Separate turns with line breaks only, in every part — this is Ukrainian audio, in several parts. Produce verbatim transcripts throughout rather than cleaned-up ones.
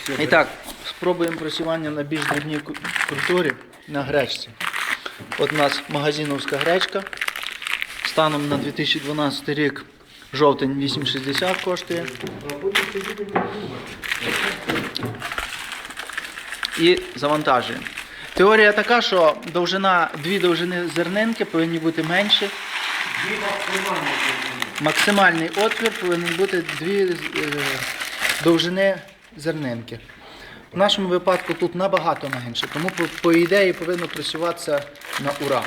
І так, спробуємо просівання на більш дрібній культурі на гречці. От у нас магазиновська гречка. Станом на дві тисячі дванадцятий рік жовтень вісім шістдесят коштує. І завантажуємо. Теорія така, що довжина, дві довжини зернинки повинні бути менші. Максимальний отвір повинен бути дві е, довжини зернинки. В нашому випадку тут набагато менше, тому по, по ідеї повинно працюватися на ура.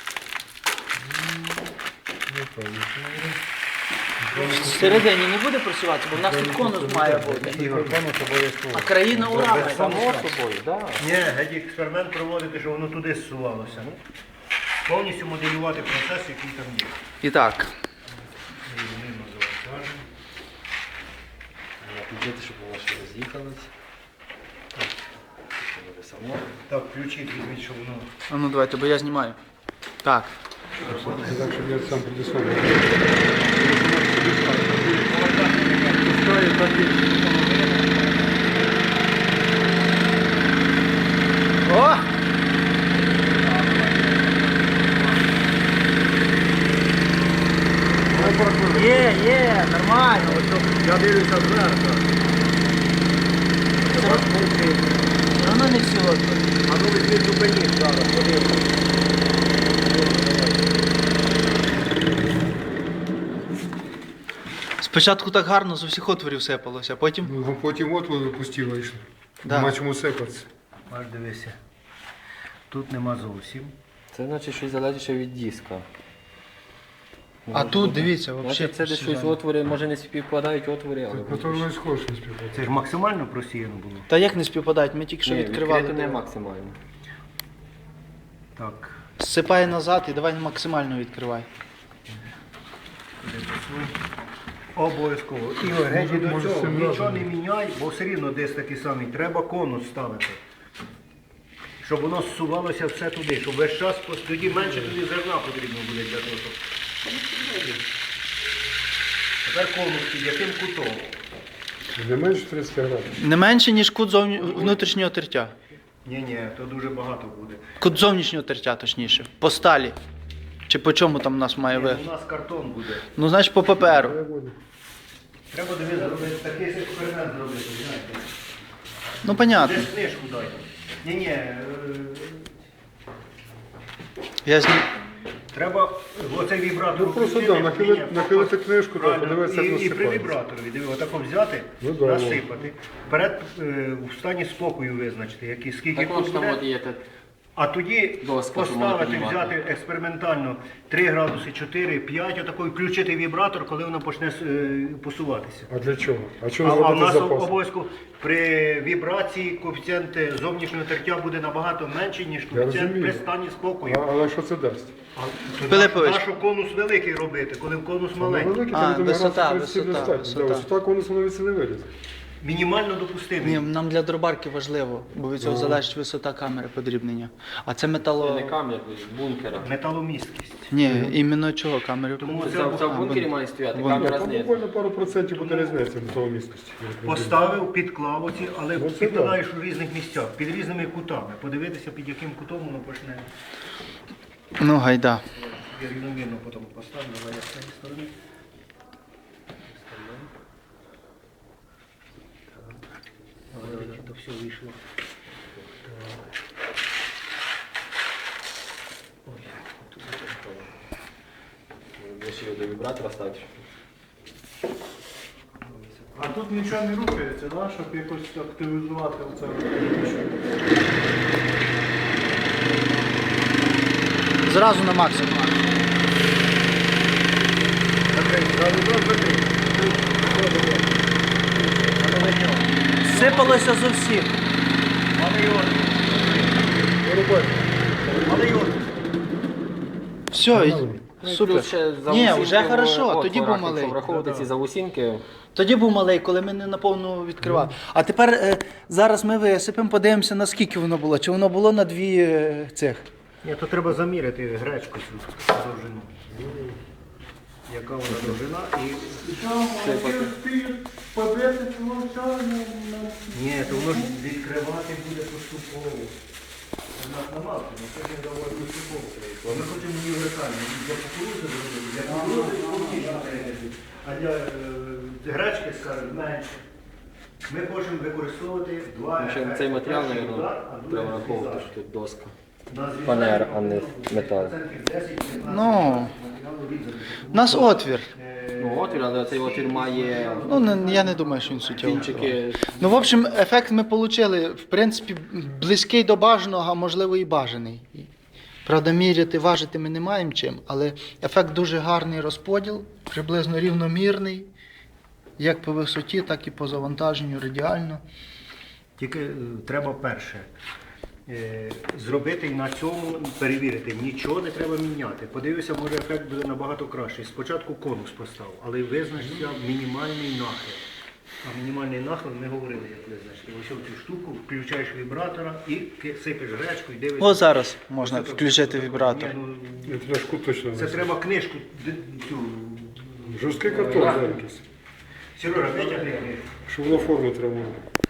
Всередині не буде працювати, бо в нас тут конус має бути. А країна ура має.
Само собою, так.
Ні, геть експеримент проводити, щоб воно туди зсувалося. Повністю моделювати процес, який там є.
І так.
Підійти, щоб у вас ще роз'їхались. Само.
Так, включіть, візьміть, щоб воно...
А ну давайте, бо я знімаю. Так.
Так, щоб я сам предисловив.
О! Є, є, нормально.
Я дивлюся зверху.
Все одно не всі отвори.
А ну візьміть зупиніть зараз, подивимось.
Спочатку так гарно з усіх отворів сипалося, потім...
Ну, потім от воно пустіло йшло.
Да.
Нема чому сипатися.
Аж дивися. Тут нема зовсім.
Це значить щось залежить ще від диска.
А тут, дивіться,
Значить,
взагалі...
це десь щось отвори, може не співпадають отвори, але...
На то воно і схоже не співпадає.
Це ж максимально просіяно було.
Та як не співпадають? Ми тільки що
Ні,
відкривали.
відкрито не максимально.
Так.
Зсипай назад і давай максимально відкривай.
Обов'язково. Ігор, геть
Може,
до
може,
цього
цим
нічого
разом.
не міняй, бо все рівно десь такий самий. Треба конус ставити. Щоб воно зсувалося все туди, щоб весь час, пос- тоді менше тоді зерна потрібно буде для того, щоб... Тепер конус під яким кутом?
Не менше тридцять градусів.
Не менше, ніж кут зовні... внутрішнього тертя.
Ні-ні, то дуже багато буде.
Кут зовнішнього тертя, точніше. По сталі. Чи по чому там у нас має
Ні,
ви?
у нас картон буде.
Ну, значить, по паперу.
Треба дивитися, зробити такий експеримент зробити, знаєте.
Ну, понятно.
Десь книжку дайте. Ні-ні, е,
Я зні...
треба оцей вібратор.
Ну, просто,
включити.
да, нахили-
Ні-ні,
нахилити книжку, да,
правильно.
подивитися,
І,
як
і при
насипається.
вібраторі, диви, отако взяти,
Ну, да,
насипати. Вперед е, в стані спокою визначити, які, скільки
Так он
тут
ж там
буде.
от є те-
А тоді
Доска, що можна
поставити,
піднімати.
взяти експериментально три градуси, чотири, п'ять, отако, і включити вібратор, коли воно почне е, посуватися.
А для чого? А
А,
чого
а в
зробити
нас
запас?
обов'язково при вібрації коефіцієнт зовнішнього тертя буде набагато менший, ніж коефіцієнт
розумію.
при стані спокою.
А, але що це дасть?
А, то
Пилипович.
Нащо конус великий робити, коли конус маленький?
Великий,
А,
там
висота,
градусів тридцять
висота,
достатньо. Да,
висота.
висота конусу на віці не вилізе.
Мінімально допустимий.
Ні, нам для дробарки важливо, бо від цього залежить висота камери подрібнення. А це
Це
метало...
не кам'я, з бункера.
Металомісткість.
Ні, іменно чого камери?
Тому
Це,
це
це в
А,
бункері
бун-
має стояти,
бун-
камера
Там
знизу.
буквально пару процентів буде різниця до того місткості.
поставив, підклав оці, але
Ну, це
підкладаєш у різних місцях, під різними кутами. Подивитися, під яким кутом воно почне.
Ну, гайда.
Я рівномірно потім поставлю, але я з цієї сторони. Але то все вийшло. Ой, тут
Ще до вібратора ставити.
А тут нічого не рухається, да? Щоб якось активізувати оце.
Зразу на максимум. Сипалося з усіх. Все, і- супер.
Плюс ще
Ні,
заусінки
вже
в
хорошо,
отворах,
тоді був
якщо
малий.
враховувати ці заусінки,
Тоді був малий, коли ми не наповну відкривали. А тепер е, зараз ми висипемо, подивимося, наскільки воно було. Чи воно було на дві е, цих.
Ні, то треба заміряти гречку цю довжину. яка вона довжина. І...
Що, молоді вспіють побити цього всього? Ну, ну,
Ні, то воно ж відкривати буде поступово. У нас на мапі, ми це не доволі поступово. Ми хочемо універсальні. Для кукурузи зробити, для кукурузи повністю перейти. А для е, гречки, скажімо, менше. Ми хочемо використовувати два
Ще
ефекти.
цей матеріал,
Перший
мабуть,
удар, а другий
треба враховувати,
зрізач.
що тут доска.
На зрізання
Фанера, а не метал.
процентів десять-п'ятнадцять
Ну,
матеріалу різати.
У нас отвір.
Е,
Ну, отвір, але цей отвір має
Ну, не- я не думаю, що він суттєво.
кінчики.
Ну, в общем, ефект ми отримали, в принципі, близький до бажаного, а можливо і бажаний. Правда, міряти, важити ми не маємо чим, але ефект дуже гарний розподіл, приблизно рівномірний, як по висоті, так і по завантаженню радіально.
Тільки е, треба перше. е, Зробити і на цьому перевірити. Нічого не треба міняти. Подивися, може ефект буде набагато кращий. Спочатку конус постав, але визначився мінімальний нахил. А мінімальний нахил ми говорили, як визначити. Ось цю штуку включаєш вібратора і ки- сипеш гречку і дивишся.
Ось зараз можна
Це
включити
так-
вібратор.
Ні, ну,
Я пляшку точно
Це
не
треба книжку. д- цю.
Жорсткий картон, да, якийсь.
Сережа, витягни книжку.
Щоб воно форму тримало.